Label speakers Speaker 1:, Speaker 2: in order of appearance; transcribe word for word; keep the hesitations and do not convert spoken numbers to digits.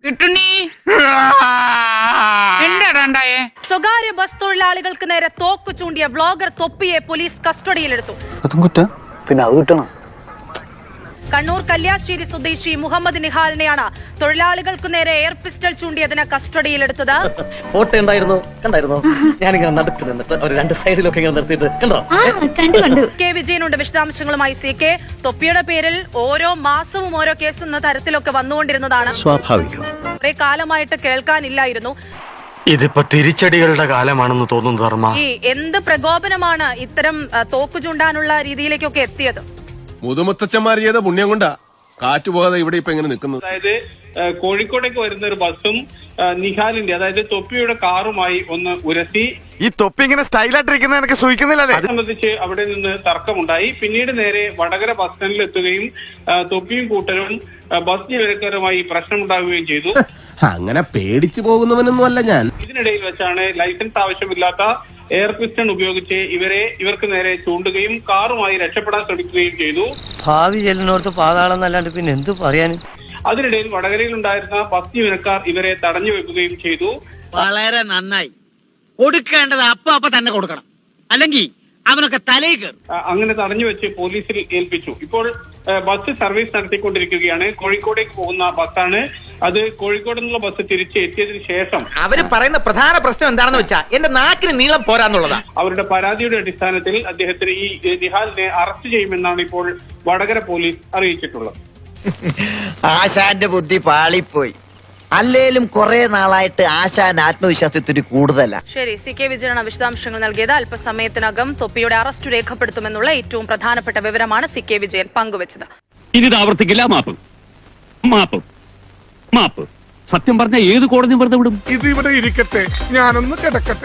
Speaker 1: സ്വകാര്യ ബസ് തൊഴിലാളികൾക്ക് നേരെ തോക്ക് ചൂണ്ടിയ ബ്ലോഗർ തൊപ്പിയെ പോലീസ് കസ്റ്റഡിയിലെടുത്തു.
Speaker 2: പിന്നെ അത് കിട്ടണം.
Speaker 1: കണ്ണൂർ കല്യാശ്ശേരി സ്വദേശി മുഹമ്മദ് നിഹാലിനെയാണ് തൊഴിലാളികൾക്ക് നേരെ എയർ പിസ്റ്റൾ ചൂണ്ടിയതിന് കസ്റ്റഡിയിലെടുത്തത്.
Speaker 3: ഫോട്ടോ ഉണ്ടായിരുന്നു, കണ്ടായിരുന്നു. ഞാനിങ്ങനെ നടത്തി നിന്നിട്ട് ഒരു രണ്ട് സൈഡിലൊക്കെ ഇങ്ങനെ നിർത്തിയിട്ട് കണ്ടോ.
Speaker 1: കെ വിജയനുണ്ട് വിശദാംശങ്ങളുമായി. സി കെ, തൊപ്പിയുടെ പേരിൽ ഓരോ മാസവും ഓരോ കേസ് എന്ന തരത്തിലൊക്കെ വന്നുകൊണ്ടിരുന്നതാണ്.
Speaker 2: സ്വാഭാവികം.
Speaker 1: കുറെ കാലമായിട്ട് കേൾക്കാനില്ലായിരുന്നു.
Speaker 4: ഇതിപ്പോ തിരിച്ചടികളുടെ കാലമാണെന്ന് തോന്നുന്നു ധർമ്മ.
Speaker 1: ഈ എന്ത് പ്രകോപനമാണ് ഇത്തരം തോക്ക് ചൂണ്ടാനുള്ള രീതിയിലേക്കൊക്കെ എത്തിയത്?
Speaker 5: മുതുമുത്തച്ഛന്മാർ ചെയ്ത പുണ്യം കൊണ്ടാ കാറ്റ് പോകാതെ ഇവിടെ ഇപ്പൊ എങ്ങനെ നിൽക്കുന്നത്.
Speaker 6: അതായത് കോഴിക്കോടേക്ക് വരുന്ന ഒരു ബസ്സും നിഹാലിന്റെ അതായത് തൊപ്പിയുടെ കാറുമായി ഒന്ന് ഉരസി.
Speaker 4: ഈ തൊപ്പി ഇങ്ങനെ സ്റ്റൈലായിട്ടിരിക്കുന്ന എനിക്ക് സൂചിക്കുന്നില്ലേ?
Speaker 6: അത് സംബന്ധിച്ച് അവിടെ നിന്ന് തർക്കമുണ്ടായി. പിന്നീട് നേരെ വടകര ബസ് സ്റ്റാൻഡിൽ എത്തുകയും തൊപ്പിയും കൂട്ടരും ബസ് ജീവനക്കാരുമായി പ്രശ്നമുണ്ടാകുകയും ചെയ്തു.
Speaker 5: അങ്ങനെ പേടിച്ചു പോകുന്നവനൊന്നും അല്ല ഞാൻ.
Speaker 6: ഇതിനിടയിൽ വെച്ചാണ് ലൈസൻസ് ആവശ്യമില്ലാത്ത എയർ പിസ്റ്റൺ ഉപയോഗിച്ച് ഇവരെ ഇവർക്ക് നേരെ ചൂണ്ടുകയും കാറുമായി രക്ഷപ്പെടാൻ ശ്രമിക്കുകയും ചെയ്തു.
Speaker 3: ഭാവി ചെല്ലിനോർത്ത് പാതാളം എന്നല്ലാണ്ട് പിന്നെ എന്ത് പറയാനും.
Speaker 6: അതിനിടയിൽ വടകരയിൽ ഉണ്ടായിരുന്ന ബസ് ജീവനക്കാർ ഇവരെ തടഞ്ഞു വെക്കുകയും ചെയ്തു.
Speaker 7: വളരെ നന്നായി. കൊടുക്കേണ്ടത് അപ്പൊ അപ്പൊ തന്നെ കൊടുക്കണം, അല്ലെങ്കിൽ അവനൊക്കെ തലയിൽ കയറും.
Speaker 6: അങ്ങനെ തടഞ്ഞു വെച്ച് പോലീസിൽ ഏൽപ്പിച്ചു. ഇപ്പോൾ ബസ് സർവീസ് നടത്തിക്കൊണ്ടിരിക്കുകയാണ്. കോഴിക്കോടേക്ക് പോകുന്ന ബസ്സാണ് അത്. കോഴിക്കോട് നിന്നുള്ള ബസ് തിരിച്ച് എത്തിയതിനു ശേഷം
Speaker 7: അവര് പറയുന്ന പ്രധാന പ്രശ്നം എന്താണെന്ന് വെച്ചാ എന്റെ നാക്കിന് നീളം പോരാന്നുള്ളതാ.
Speaker 6: അവരുടെ പരാതിയുടെ അടിസ്ഥാനത്തിൽ അദ്ദേഹത്തിന് ഈ നിഹാലിനെ അറസ്റ്റ് ചെയ്യുമെന്നാണ് ഇപ്പോൾ വടകര പോലീസ് അറിയിച്ചിട്ടുള്ളത്.
Speaker 7: ആശാന്റെ ബുദ്ധി പാളിപ്പോയി. അല്ലേലും കുറെ നാളായിട്ട് ആശാൻ ആത്മവിശ്വാസത്തിന് കൂടുതലാ.
Speaker 1: ശരി, സി കെ വിജയനാണ് വിശദാംശങ്ങൾ നൽകിയത്. അല്പസമയത്തിനകം തൊപ്പിയുടെ അറസ്റ്റ് രേഖപ്പെടുത്തുമെന്നുള്ള ഏറ്റവും പ്രധാനപ്പെട്ട വിവരമാണ് സി കെ വിജയൻ പങ്കുവച്ചത്.
Speaker 8: ഇനി ഇത് ആവർത്തിക്കില്ല. മാപ്പ് മാപ്പ് മാപ്പ്. സത്യം പറഞ്ഞ ഏത് കോടതിയും വെറുതെ വിടും.
Speaker 5: ഇത് ഇവിടെ ഇരിക്കട്ടെ, ഞാനൊന്ന് കിടക്കട്ടെ.